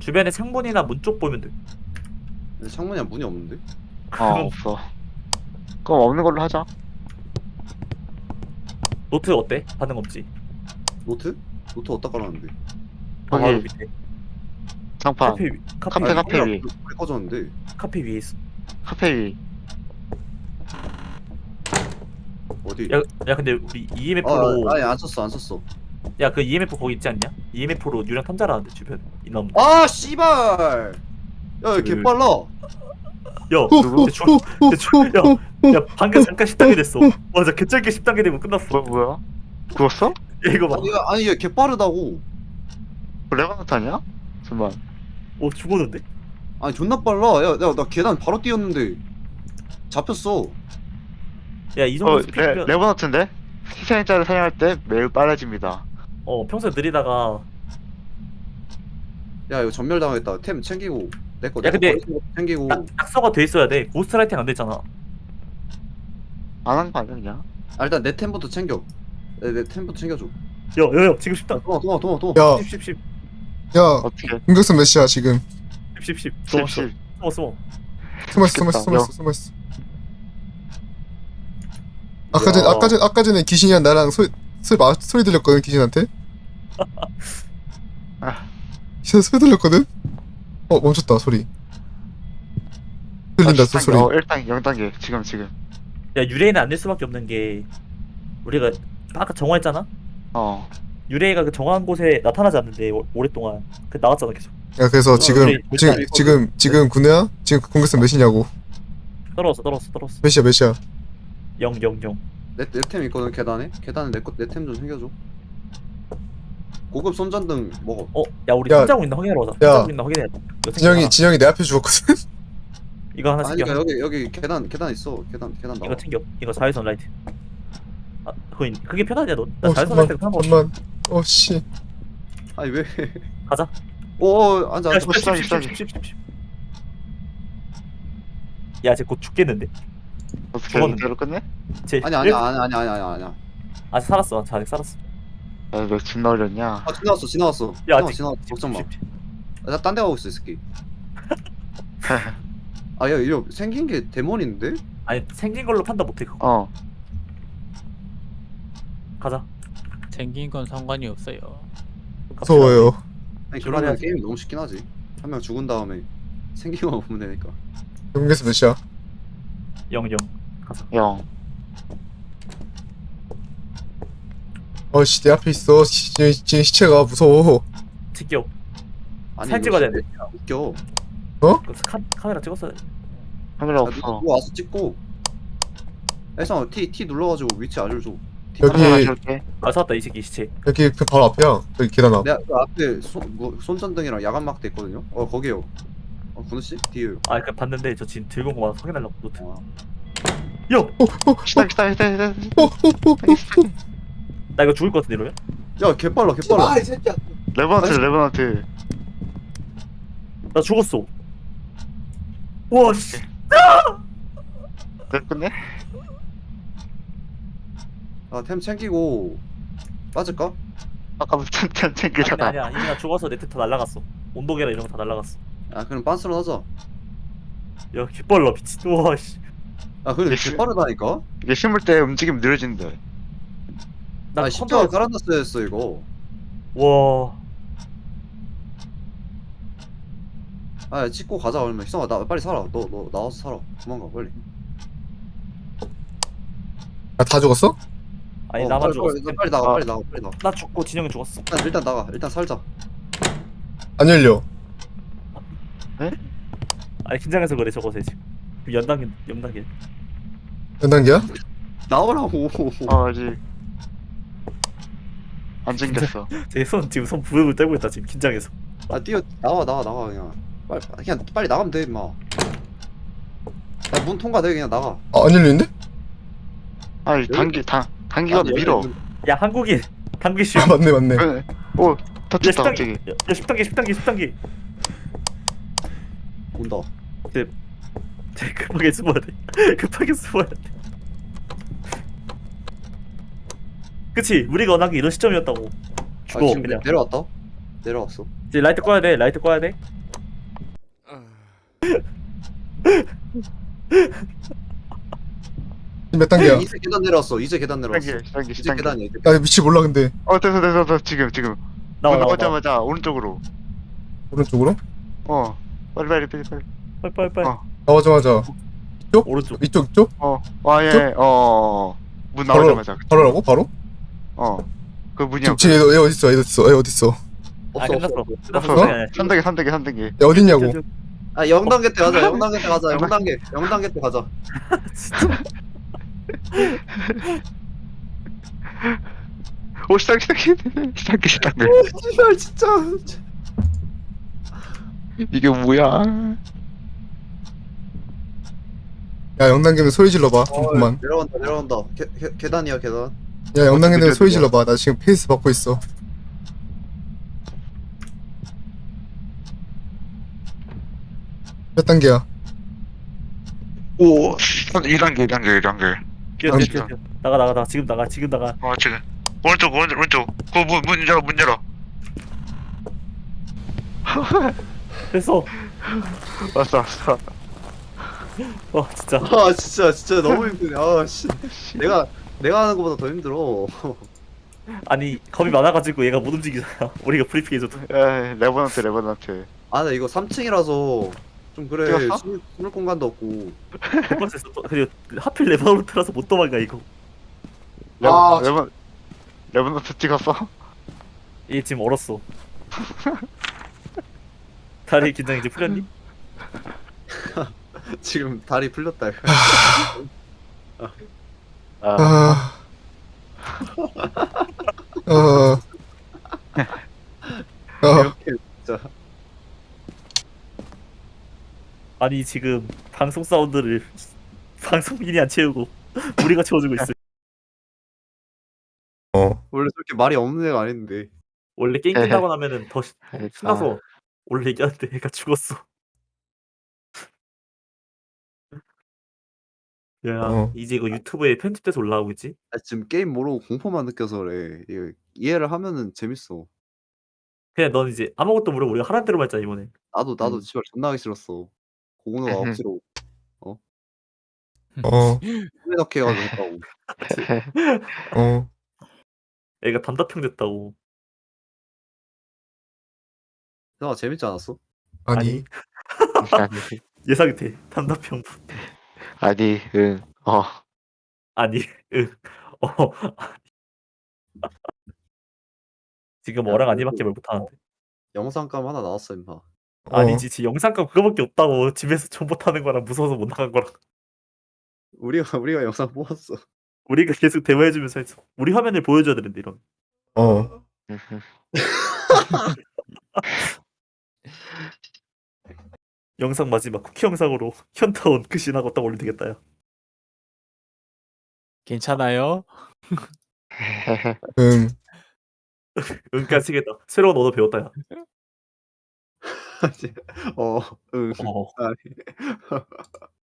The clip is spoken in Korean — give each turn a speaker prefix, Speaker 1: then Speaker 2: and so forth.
Speaker 1: 주변에 창문이나 문 쪽 보면 돼.
Speaker 2: 근데 창문이야 문이 없는데?
Speaker 3: 없어. 그럼 없는 걸로 하자.
Speaker 1: 노트 어때? 반응 없지?
Speaker 2: 노트? 노트 어디다 깔았는데?
Speaker 3: 거기
Speaker 1: 바로 밑에.
Speaker 3: 장판.
Speaker 1: 카페 위.
Speaker 3: 카페 위.
Speaker 2: 불이 꺼졌는데.
Speaker 1: 카페 위에 있어.
Speaker 3: 카페 위.
Speaker 2: 어디?
Speaker 1: 야 근데 우리 EMF로
Speaker 2: 아니 안 썼어 안 썼어.
Speaker 1: 야 그 EMF 거기 있지 않냐? EMF로 유령 탐자라는데 주변 이놈.
Speaker 2: 아 씨발! 야 개 빨라.
Speaker 1: 야
Speaker 3: 누구?
Speaker 1: 야 방금 잠깐 10단계 됐어. 맞아 개짧게 10단계 되고 끝났어.
Speaker 3: 뭐야? 죽었어?
Speaker 1: 야 이거 봐.
Speaker 2: 아니 얘 개 빠르다고.
Speaker 3: 레바노트 아니야? 잠깐만.
Speaker 1: 오 죽었는데?
Speaker 2: 아니 존나 빨라. 나 계단 바로 뛰었는데 잡혔어.
Speaker 1: 야 이 정도 스피드면
Speaker 3: 레바노트인데? 희생자를 사용할 때 매우 빨라집니다.
Speaker 1: 평소에 느리다가
Speaker 2: 야 이거 전멸 당했다. 템 챙기고 내거
Speaker 1: 야, 근데
Speaker 2: 챙기고.
Speaker 1: 낙서가 돼 있어야 돼. 고스트라이팅 안 됐잖아.
Speaker 3: 안 한 거 아니야 그냥?
Speaker 2: 아 일단 내 템부터 챙겨. 내 템부터 챙겨줘.
Speaker 1: 야 지금 10단.
Speaker 2: 도망.
Speaker 4: 야,
Speaker 1: 10
Speaker 4: 야,
Speaker 3: 어떻게?
Speaker 4: 공격선 몇 시야 지금?
Speaker 1: 10
Speaker 3: 10.
Speaker 1: 숨어.
Speaker 4: 숨었어. 아까 전에 귀신이랑 나랑 소리 들렸거든 귀신한테. 소리 들렸거든. 멈췄다 소리. 들린다 또 소리.
Speaker 3: 1단계 0단계 지금.
Speaker 1: 야 유레이는 안 될 수밖에 없는 게 우리가 아까 정화했잖아. 유레이가 그 정화한 곳에 나타나지 않는데 오랫동안 그 나왔잖아 계속.
Speaker 4: 야 그래서 지금
Speaker 2: 우리
Speaker 4: 군우야? 지금 공격선 몇이냐고?
Speaker 1: 떨어졌어.
Speaker 4: 몇이야?
Speaker 1: 0.
Speaker 2: 내 템 있거든 계단에. 계단에 내 템 좀 챙겨줘. 고급 손전등 먹어.
Speaker 1: 야 우리
Speaker 4: 야,
Speaker 1: 탐자고 있나 확인하러 가자.
Speaker 4: 야.
Speaker 1: 탐자고 있나 확인해야 돼. 이거 챙겨.
Speaker 4: 진영이 내 앞에 죽었거든.
Speaker 1: 이거 하나
Speaker 2: 아니
Speaker 1: 챙겨.
Speaker 2: 그러니까 여기 계단 있어. 계단 나와.
Speaker 1: 이거 챙겨. 이거 자외선 라이트. 그게 편하냐 너? 나 자외선 라이트가 편한 거 같아.
Speaker 4: 잠만. 씨.
Speaker 2: 아니 왜?
Speaker 1: 가자.
Speaker 2: 오 앉아.
Speaker 1: 야,
Speaker 3: 10.
Speaker 1: 야, 쟤 곧 죽겠는데.
Speaker 3: 어떻게
Speaker 1: 죽었는데.
Speaker 3: 이대로 끝내?
Speaker 1: 쟤
Speaker 2: 아니야.
Speaker 1: 아직 살았어. 아직 살았어.
Speaker 3: 왜 존나 어렸냐?
Speaker 2: 아 지나왔어.
Speaker 1: 야,
Speaker 2: 지나왔어. 걱정 마. 나 딴 데 가고 있어 이 새끼. 야 이거 생긴 게 데몬인데?
Speaker 1: 아니 생긴 걸로 판단 못해 그거. 가자.
Speaker 5: 생긴 건 상관이 없어요.
Speaker 4: 무서워요.
Speaker 2: 아니 그러면
Speaker 1: 출발해야지.
Speaker 2: 게임이 너무 쉽긴 하지. 한 명 죽은 다음에 생긴 거 보면 되니까.
Speaker 4: 공격선 몇이야?
Speaker 1: 0. 가자.
Speaker 3: 0.
Speaker 4: 씨, 내 앞에 있어. 지금 시체가 무서워.
Speaker 1: 찍겨.
Speaker 2: 아니
Speaker 1: 사진
Speaker 2: 이거
Speaker 1: 찍어야 되는데.
Speaker 2: 웃겨.
Speaker 1: 그 카메라 찍었어야 돼.
Speaker 3: 카메라
Speaker 2: 야,
Speaker 3: 없어.
Speaker 2: 누구 와서 찍고. 해서 T 눌러가지고 위치 알려줘.
Speaker 4: 여기-
Speaker 3: 카메라 줄게.
Speaker 1: 아 찾았다 이 새끼 시체.
Speaker 4: 여기 그 바로 앞이야. 여기 계단 앞.
Speaker 2: 내가 그 앞에 손전등이랑 야간 막대 있거든요. 거기요. 군우 씨 뒤에요.
Speaker 1: 그 봤는데 저 지금 들고 온 거 봐서 확인하려고 노트.
Speaker 2: 아,
Speaker 1: 야!
Speaker 3: 기다.
Speaker 1: 나 이거 죽을 것 같은데 이러면?
Speaker 2: 야 개빨라.
Speaker 3: 레버넌트.
Speaker 1: 나 죽었어. 와 씨.
Speaker 3: 내 끝내?
Speaker 2: 템 챙기고 빠질까?
Speaker 3: 아까부터 템
Speaker 1: 아니
Speaker 3: 챙기잖아.
Speaker 1: 아니야. 이미 나 죽어서 네트 다 날라갔어. 온도계랑 이런 거 다 날라갔어.
Speaker 2: 그럼 빤스로 하자.
Speaker 1: 야 개빨라 미친. 와 씨.
Speaker 2: 근데
Speaker 3: 예시-
Speaker 2: 개빠르다니까?
Speaker 3: 이게 심을 때 움직임 느려진대.
Speaker 1: 나
Speaker 2: 십자가
Speaker 1: 컨트롤.
Speaker 2: 깔아놨어야 했어 이거.
Speaker 1: 와.
Speaker 2: 찍고 가자 얼마. 희성아 나 빨리 살아. 너 나와서 살아. 도망가 빨리.
Speaker 4: 다 죽었어?
Speaker 1: 아니 나만 죽었어.
Speaker 2: 빨리 나가.
Speaker 3: 아.
Speaker 2: 빨리 나가.
Speaker 1: 나 죽고 진영이 죽었어.
Speaker 2: 일단 나가. 일단 살자.
Speaker 4: 안 열려.
Speaker 1: 아니 긴장해서 그래 저거세 지금. 연단계.
Speaker 4: 몇 단계야?
Speaker 2: 나오라고.
Speaker 3: 아직 안 챙겼어.
Speaker 1: 지금 손 부들부들 떨고 있다 지금 긴장해서.
Speaker 2: 나와 그냥. 빨리 나가면 돼 임마. 문 통과돼 그냥 나가.
Speaker 4: 안 열리는데?
Speaker 3: 아니 단기가 밀어.
Speaker 1: 야 한국인 당기 쉬.
Speaker 4: 맞네.
Speaker 3: 오
Speaker 1: 야
Speaker 3: 터졌다
Speaker 1: 10단계.
Speaker 3: 갑자기.
Speaker 1: 야 10단계.
Speaker 2: 온다.
Speaker 1: 급하게 숨어야 돼. 그치 우리가 원하는 게 이런 시점이었다고. 죽어
Speaker 2: 지금
Speaker 1: 그냥.
Speaker 2: 내려왔어.
Speaker 1: 이제 라이트 꺼야 돼.
Speaker 4: 몇 단계야?
Speaker 2: 이제 계단 내려왔어. 이제 계단 내려왔어.
Speaker 3: 10단계
Speaker 2: 이제
Speaker 3: 10단계.
Speaker 2: 계단이야. 이제.
Speaker 4: 나 위치 몰라 근데.
Speaker 3: 됐어 지금
Speaker 1: 나와
Speaker 3: 문
Speaker 1: 나와 나와.
Speaker 3: 나오자마자 오른쪽으로.
Speaker 4: 오른쪽으로?
Speaker 3: 빨리.
Speaker 1: 빨리 빨리.
Speaker 4: 나오자마자
Speaker 1: 오른쪽.
Speaker 4: 이쪽?
Speaker 3: 문
Speaker 4: 바로
Speaker 3: 나오자마자.
Speaker 4: 바로라고? 바로?
Speaker 3: 그 문이야.
Speaker 4: 지금 얘 어딨어? 얘 어딨어?
Speaker 1: 아
Speaker 2: 없어
Speaker 1: 끝났어.
Speaker 2: 없어.
Speaker 1: 끝났어.
Speaker 4: 없어?
Speaker 1: 아니야.
Speaker 3: 3단계.
Speaker 4: 얘 어딨냐고?
Speaker 2: 아 0단계 때 가자. 0단계 때 가자. 0단계 때 가자.
Speaker 3: 오 10단계.
Speaker 2: 씨발 진짜.
Speaker 3: 이게 뭐야?
Speaker 4: 야 0단계면 소리 질러봐 그만.
Speaker 2: 내려간다. 계단이야 계단.
Speaker 4: 야 0단계면
Speaker 3: 느려,
Speaker 4: 소리
Speaker 3: 느려.
Speaker 4: 질러봐. 나 지금 페이스 받고 있어. 몇 단계야?
Speaker 3: 오 2단계.
Speaker 1: 뛰어. 나가. 지금 나가. 지금.
Speaker 3: 오른쪽. 그 문 열어.
Speaker 1: 됐어.
Speaker 3: 왔어.
Speaker 1: 와 진짜.
Speaker 2: 아 진짜 너무 힘드네. 아 씨. 내가 하는 것보다 더 힘들어.
Speaker 1: 아니 겁이 많아가지고 얘가 못 움직이잖아. 우리가 브리핑해줘도.
Speaker 3: 레버넌트.
Speaker 2: 아 나 이거 3층이라서 좀 그래.
Speaker 3: 뛰었어?
Speaker 2: 숨을 공간도 없고.
Speaker 1: 못 봤어. 그리고 하필 레버노트라서 못 도망가 이거.
Speaker 2: 아,
Speaker 3: 레버넌트 찍었어?
Speaker 1: 얘 지금 얼었어. 다리 긴장 이제 풀렸니?
Speaker 2: 지금 다리 풀렸다. 이거.
Speaker 4: 아.
Speaker 2: 이렇게 진짜.
Speaker 1: 아니 지금 방송 사운드를 방송인이 안 채우고 우리가 채워주고 있어.
Speaker 2: 원래 저렇게 말이 없는 애가 아닌데.
Speaker 1: 원래 게임 끝나고 나면은 더 신나서 원래 얘기하는데 얘가 죽었어. 야 이제 이거 유튜브에 편집돼서 올라오고 있지?
Speaker 2: 아, 지금 게임 모르고 공포만 느껴서 그래. 이거 이해를 하면은 재밌어.
Speaker 1: 그냥 넌 이제 아무것도 모르고 우리가 하라는 대로만 했잖아 이번에.
Speaker 2: 나도 씨발 존나 하기 싫었어. 고은호가 억지로 후회넣게 해가지고 했다고.
Speaker 1: 애가 단답형 됐다고.
Speaker 2: 나 재밌지 않았어?
Speaker 4: 아니.
Speaker 1: 예상이 돼. 단답형.
Speaker 3: 아니
Speaker 1: 아니 응. 지금 어랑 아니밖에 말 못하는데.
Speaker 2: 영상감 하나 나왔어 임마.
Speaker 1: 아니지 지 영상감 그거밖에 없다고. 집에서 전보 타는 거랑 무서워서 못 나간 거랑.
Speaker 2: 우리가 영상 뽑았어.
Speaker 1: 우리가 계속 대화해주면서 했어. 우리 화면을 보여줘야 되는데 이런. 영상 마지막 쿠키 영상으로 현타온 그 신하고 딱 올리면 되겠다 야.
Speaker 5: 괜찮아요?
Speaker 1: 응까지겠다. 새로운 언어 배웠다 야.
Speaker 2: 응.
Speaker 1: 어.
Speaker 2: 아니.